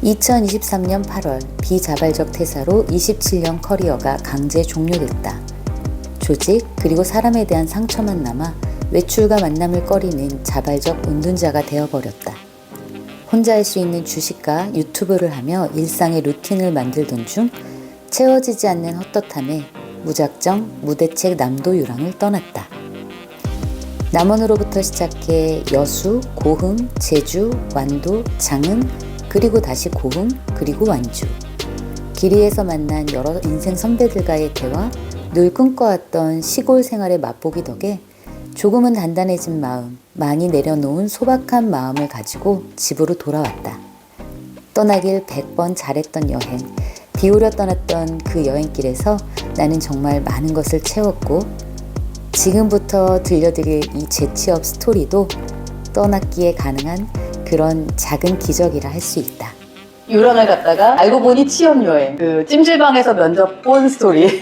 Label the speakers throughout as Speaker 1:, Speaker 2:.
Speaker 1: 2023년 8월 비자발적 퇴사로 27년 커리어가 강제 종료됐다. 조직 그리고 사람에 대한 상처만 남아 외출과 만남을 꺼리는 자발적 은둔자가 되어버렸다. 혼자 할 수 있는 주식과 유튜브를 하며 일상의 루틴을 만들던 중 채워지지 않는 헛헛함에 무작정 무대책 남도 유랑을 떠났다. 남원으로부터 시작해 여수, 고흥, 제주, 완도, 장흥, 그리고 다시 고흥, 그리고 완주. 길이에서 만난 여러 인생 선배들과의 대화, 늘 꿈꿔왔던 시골 생활의 맛보기 덕에 조금은 단단해진 마음, 많이 내려놓은 소박한 마음을 가지고 집으로 돌아왔다. 떠나길 100번 잘했던 여행, 비오려 떠났던 그 여행길에서 나는 정말 많은 것을 채웠고 지금부터 들려드릴 이 재취업 스토리도 떠났기에 가능한 그런 작은 기적이라 할 수 있다.
Speaker 2: 유랑을 갔다가 알고 보니 취업 여행. 그 찜질방에서 면접 본 스토리.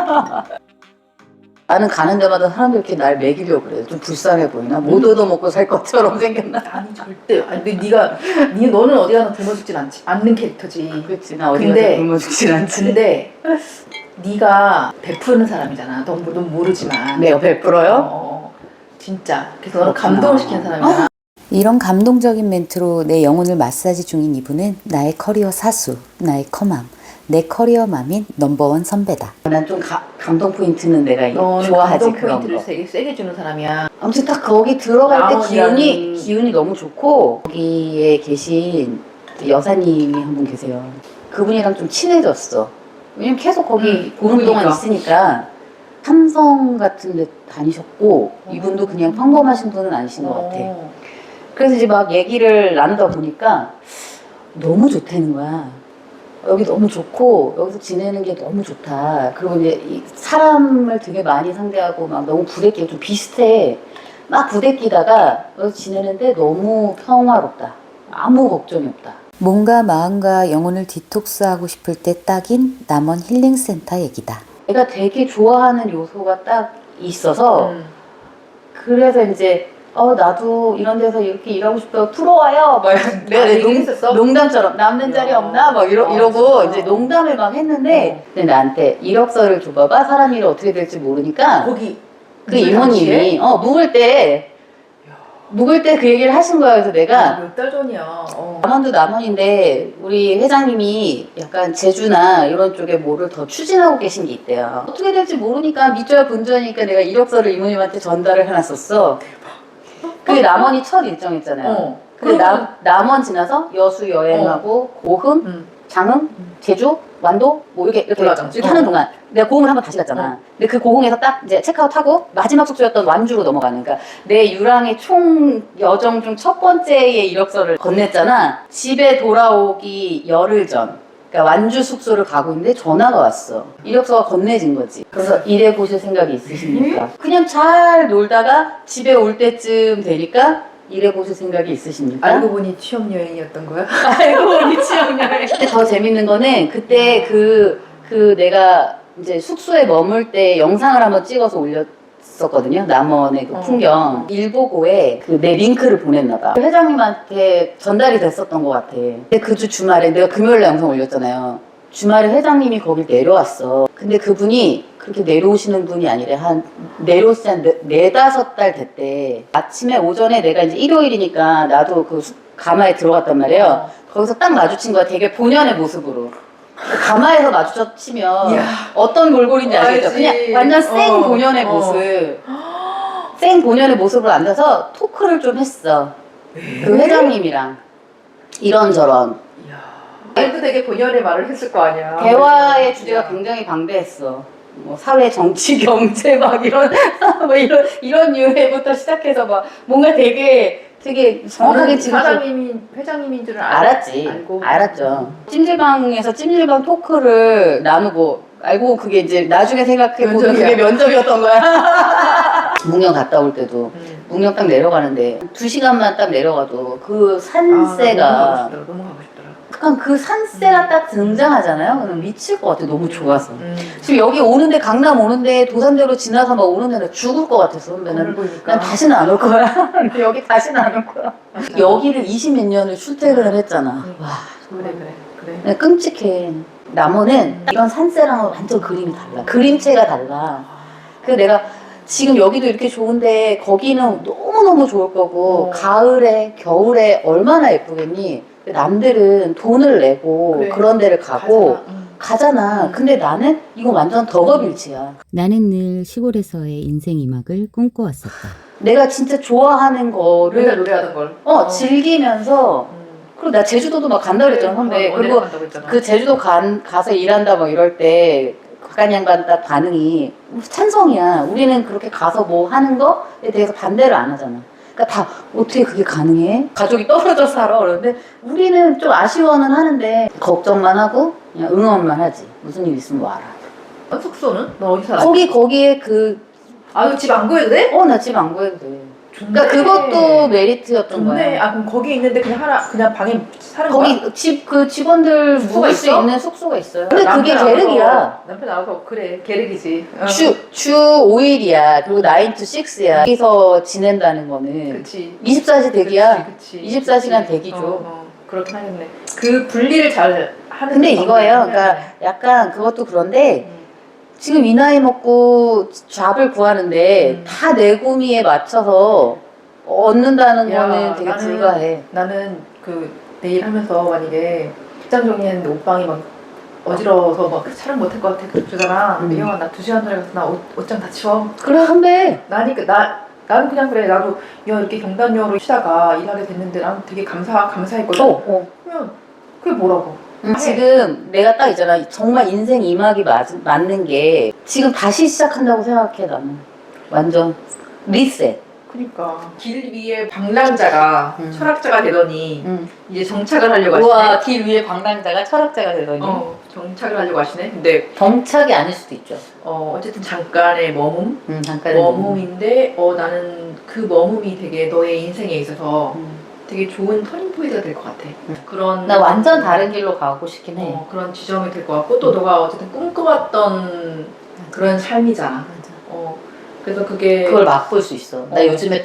Speaker 2: 나는 가는 데마다 사람들이 이렇게 날 먹이려고 그래. 좀 불쌍해 보이나? 못 얻어먹고 살 것처럼 생겼나?
Speaker 3: 아니 절대. 아니 근데 너는 어디 가나 굶어 죽진 않는 캐릭터지.
Speaker 2: 그렇지. 나 어디 가서 굶어 죽진 않지.
Speaker 3: 근데 네가 베푸는 사람이잖아. 넌 모르지만.
Speaker 2: 내가 베풀어요?
Speaker 3: 진짜. 그래서 너는 감동을 시키는 사람이야.
Speaker 1: 이런 감동적인 멘트로 내 영혼을 마사지 중인 이분은 나의 커리어 사수, 나의 커맘, 내 커리어 맘인 넘버원 선배다.
Speaker 2: 난 좀 감동 포인트는 내가
Speaker 3: 너는
Speaker 2: 좋아하지.
Speaker 3: 감동
Speaker 2: 그런
Speaker 3: 포인트를
Speaker 2: 거.
Speaker 3: 세게 주는 사람이야.
Speaker 2: 아무튼 딱 거기 들어갈 때
Speaker 3: 나머지는-
Speaker 2: 기운이 너무 좋고 거기에 계신 여사님이 한 분 계세요. 그분이랑 좀 친해졌어. 왜냐면 계속 거기 보는 동안
Speaker 3: 그러니까.
Speaker 2: 있으니까 삼성 같은 데 다니셨고 이분도 그냥 평범하신 분은 아니신 것 같아. 그래서 이제 막 얘기를 나누다 보니까 너무 좋다는 거야. 여기 너무 좋고 여기서 지내는 게 너무 좋다. 그리고 이제 이 사람을 되게 많이 상대하고 막 너무 부대끼고 좀 비슷해. 막 부대끼다가 여기서 지내는데 너무 평화롭다. 아무 걱정이 없다.
Speaker 1: 몸과 마음과 영혼을 디톡스하고 싶을 때 딱인 남원 힐링센터 얘기다.
Speaker 2: 내가 되게 좋아하는 요소가 딱 있어서 그래서 이제 나도 이런 데서 이렇게 일하고 싶다고 들어와요. 막 내가
Speaker 3: 얘기했었어?
Speaker 2: 농담처럼 남는 자리 없나? 막 이러고 이제 농담을 막 했는데 근데 나한테 이력서를 줘봐봐. 사람 일이 어떻게 될지 모르니까
Speaker 3: 거기
Speaker 2: 그 이모님이 묵을 때 그 얘기를 하신 거야. 그래서 내가
Speaker 3: 몇 달 전이야.
Speaker 2: 남원도 남원인데 우리 회장님이 약간 제주나 이런 쪽에 뭐를 더 추진하고 계신 게 있대요. 어떻게 될지 모르니까 믿져야 본전이니까 내가 이력서를 이모님한테 전달을 해놨었어. 그게 남원이 첫 일정이었잖아요. 근데 남원 지나서 여수 여행하고 고흥, 장흥, 제주, 완도 뭐 이렇게 하는 동안 내가 고흥을 한번 다시 갔잖아. 근데 그 고흥에서 딱 이제 체크아웃하고 마지막 숙소였던 완주로 넘어가는 그러니까 내 유랑의 총 여정 중 첫 번째의 이력서를 건넸잖아. 집에 돌아오기 열흘 전. 그러니까 완주 숙소를 가고 있는데 전화가 왔어. 이력서가 건네진 거지. 그래서 일해 보실 생각이 있으십니까? 그냥 잘 놀다가 집에 올 때쯤 되니까 일해 보실 생각이 있으십니까?
Speaker 3: 알고 보니 취업 여행이었던 거야?
Speaker 2: 알고 보니 취업여행. 근데 더 재밌는 거는 그때 내가 이제 숙소에 머물 때 영상을 한번 찍어서 올렸었거든요. 남원의 그 풍경. 일보고에 내 링크를 보냈나봐. 회장님한테 전달이 됐었던 것 같아. 근데 그 주 주말에 내가 금요일에 영상 올렸잖아요. 주말에 회장님이 거길 내려왔어. 근데 그분이 그렇게 내려오시는 분이 아니라 내려오신 지 한 4-5달 됐대. 아침에 오전에 내가 이제 일요일이니까 나도 그 가마에 들어갔단 말이에요. 거기서 딱 마주친 거야. 되게 본연의 모습으로. 가마에서 마주치면 어떤 몰골인지 알겠죠? 그냥 완전 생 본연의 모습. 생 본연의 모습으로 앉아서 토크를 좀 했어. 그 회장님이랑. 이런저런.
Speaker 3: 말도 되게 본연의 말을 했을 거 아니야.
Speaker 2: 대화의 주제가 굉장히 방대했어. 뭐 사회, 정치, 경제 막 이런 유해부터 시작해서 막 뭔가 되게 정확하게 지금
Speaker 3: 회장님인 줄은
Speaker 2: 알았죠. 찜질방에서 찜질방 토크를 나누고 알고 그게 이제 나중에 생각해보면 그게 면접이었던 거야. 묵령 갔다 올 때도 묵령 딱 내려가는데 2시간만 딱 내려가도 그 산세가
Speaker 3: 너무 가고 싶더라.
Speaker 2: 약간 그 산세가 딱 등장하잖아요. 그럼 미칠 것 같아. 너무 좋아서. 지금 여기 오는데 강남 오는데 도산대로 지나서 막 오는데 나 죽을 것 같았어. 선배는. 난 다시는 안 올 거야. 여기 다시는 안 올 거야. 여기를 20몇 년을 출퇴근을 했잖아. 와
Speaker 3: 그래.
Speaker 2: 끔찍해. 나무는 이런 산세랑은 완전 그림이 달라. 그림체가 달라. 그래서 내가 지금 여기도 이렇게 좋은데 거기는 너무너무 좋을 거고 가을에 겨울에 얼마나 예쁘겠니? 남들은 돈을 내고
Speaker 3: 그래.
Speaker 2: 그런 데를 가고 가잖아.
Speaker 3: 응.
Speaker 2: 근데 나는 이거 완전 덕업일치야.
Speaker 1: 나는 늘 시골에서의 인생 이막을 꿈꿔왔었다.
Speaker 2: 내가 진짜 좋아하는 거를
Speaker 3: 맨날 노래하던 걸.
Speaker 2: 즐기면서 그리고 나 제주도도 막 간다 그랬잖아 선배. 그리고 그 제주도 가서 일한다 막 이럴 때 각간 양반 딱 반응이 찬성이야. 우리는 그렇게 가서 뭐 하는 거에 대해서 반대를 안 하잖아. 그러니까 다 어떻게 그게 가능해? 가족이 떨어져 살아. 그러는데 우리는 좀 아쉬워는 하는데 걱정만 하고 그냥 응원만 하지. 무슨 일 있으면 와라.
Speaker 3: 숙소는? 너 어디 살아?
Speaker 2: 거기에
Speaker 3: 집 안 구해도 돼?
Speaker 2: 나 집 안 구해도 돼.
Speaker 3: 좋네.
Speaker 2: 그러니까 그것도 메리트였던
Speaker 3: 좋네.
Speaker 2: 거야.
Speaker 3: 그럼 거기 있는데 그냥 방에 사는 거야?
Speaker 2: 거기 직원들
Speaker 3: 숙소가
Speaker 2: 묵을 수
Speaker 3: 있어?
Speaker 2: 있는 숙소가 있어요. 근데
Speaker 3: 남편
Speaker 2: 그게
Speaker 3: 나와서-
Speaker 2: 계륵이야.
Speaker 3: 남편 나와서 그래 계륵이지.
Speaker 2: 주 5일이야. 그리고 9 to 6야. 여기서 지낸다는 거는
Speaker 3: 그치.
Speaker 2: 24시 대기야.
Speaker 3: 그치.
Speaker 2: 24시간 대기죠.
Speaker 3: 그렇긴 하겠네. 그 분리를 잘 하는.
Speaker 2: 근데
Speaker 3: 방법이
Speaker 2: 이거예요.
Speaker 3: 있네.
Speaker 2: 그러니까 약간 그것도 그런데
Speaker 3: 음.
Speaker 2: 지금 이 나이 먹고 잡을 구하는데 다 내 구미에 맞춰서 얻는다는
Speaker 3: 야,
Speaker 2: 거는 되게
Speaker 3: 나는-
Speaker 2: 불가해.
Speaker 3: 나는 내일 하면서 만약에 직장 정리했는데 옷방이 막 어지러워서 막 촬영 못할 것 같아 그러잖아. 근데 형아 나 2시간 전에 가서 나 옷장 다 치워.
Speaker 2: 그래 선배.
Speaker 3: 나는 그냥 그래. 나도 야 이렇게 경단녀로 쉬다가 일하게 됐는데 난 되게 감사했거든. 그러면 그게 뭐라고?
Speaker 2: 지금 내가 딱 있잖아. 정말 인생 이막이 맞는 게 지금 다시 시작한다고 생각해 나는. 완전 리셋.
Speaker 3: 그러니까 길 위에 방랑자가 철학자가 되더니 이제 정착을 하려고
Speaker 2: 우와,
Speaker 3: 하시네.
Speaker 2: 길 위에 방랑자가 철학자가 되더니.
Speaker 3: 정착을 하려고 하시네. 근데
Speaker 2: 정착이 아닐 수도 있죠.
Speaker 3: 어쨌든 잠깐의 머문.
Speaker 2: 잠깐의
Speaker 3: 머문인데 나는 그 머문이 되게 너의 인생에 있어서 되게 좋은 터닝 포인트가 될 것 같아. 그런
Speaker 2: 나 완전 다른 길로 가고 싶긴 해.
Speaker 3: 그런 지점이 될 것 같고 또 너가 어쨌든 꿈꿔왔던 그런 삶이잖아. 그래서
Speaker 2: 그걸 맛볼 수 있어. 나 요즘에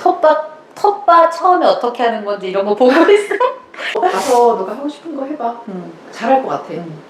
Speaker 2: 텃밭 처음에 어떻게 하는 건지 이런 거 보고 있어.
Speaker 3: 가서 너가 하고 싶은 거 해봐. 잘할 것 같아.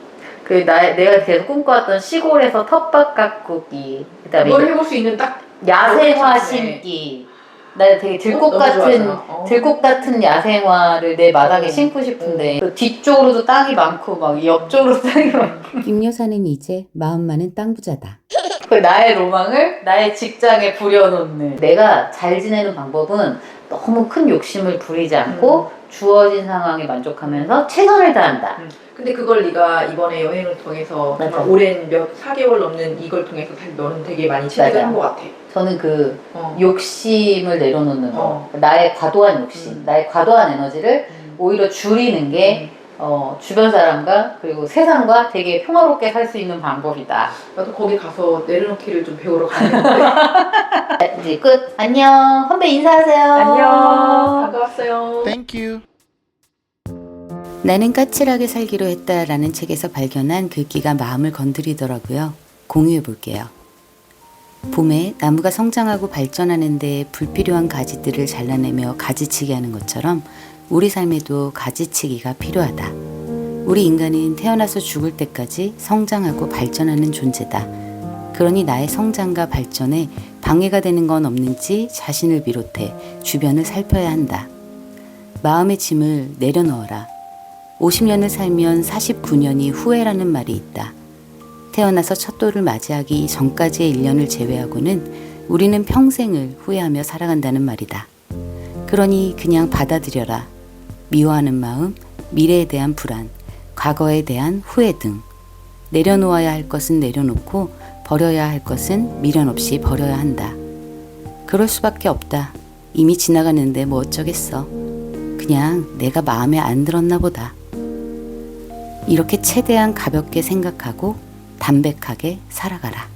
Speaker 2: 내가 계속 꿈꿔왔던 시골에서 텃밭 가꾸기, 그다음에
Speaker 3: 그걸 해볼 수 있는 딱
Speaker 2: 야생화
Speaker 3: 네.
Speaker 2: 심기. 나 되게
Speaker 3: 너무 좋아하잖아.
Speaker 2: 들꽃 같은 야생화를 내 마당에 심고 싶은데 그 뒤쪽으로도 땅이 많고 막 옆쪽으로도 땅이 많고.
Speaker 1: 김 여사는 이제 마음만은 땅 부자다.
Speaker 2: 그 나의 로망을 나의 직장에 부려놓는. 내가 잘 지내는 방법은 너무 큰 욕심을 부리지 않고 주어진 상황에 만족하면서 최선을 다한다.
Speaker 3: 근데 그걸 네가 이번에 여행을 통해서
Speaker 2: 맞아.
Speaker 3: 정말 오랜 4개월 넘는 이걸 통해서 너는 되게 많이 체득을
Speaker 2: 맞아.
Speaker 3: 한 것 같아.
Speaker 2: 저는 그
Speaker 3: 어.
Speaker 2: 욕심을 내려놓는 거,
Speaker 3: 어.
Speaker 2: 나의 과도한 욕심, 나의 과도한 에너지를 오히려 줄이는 게 주변 사람과 그리고 세상과 되게 평화롭게 살 수 있는 방법이다.
Speaker 3: 나도 거기 가서 내려놓기를 좀 배우러 가야겠는데.
Speaker 2: 이제 끝. 안녕. 선배 인사하세요.
Speaker 3: 안녕. 반가웠어요.
Speaker 4: Thank you.
Speaker 1: 나는 까칠하게 살기로 했다라는 책에서 발견한 글귀가 마음을 건드리더라고요. 공유해 볼게요. 봄에 나무가 성장하고 발전하는데 불필요한 가지들을 잘라내며 가지치기 하는 것처럼 우리 삶에도 가지치기가 필요하다. 우리 인간은 태어나서 죽을 때까지 성장하고 발전하는 존재다. 그러니 나의 성장과 발전에 방해가 되는 건 없는지 자신을 비롯해 주변을 살펴야 한다. 마음의 짐을 내려놓어라. 50년을 살면 49년이 후회라는 말이 있다. 태어나서 첫 돌을 맞이하기 전까지의 1년을 제외하고는 우리는 평생을 후회하며 살아간다는 말이다. 그러니 그냥 받아들여라. 미워하는 마음, 미래에 대한 불안, 과거에 대한 후회 등 내려놓아야 할 것은 내려놓고 버려야 할 것은 미련 없이 버려야 한다. 그럴 수밖에 없다. 이미 지나갔는데 뭐 어쩌겠어. 그냥 내가 마음에 안 들었나 보다. 이렇게 최대한 가볍게 생각하고 담백하게 살아가라.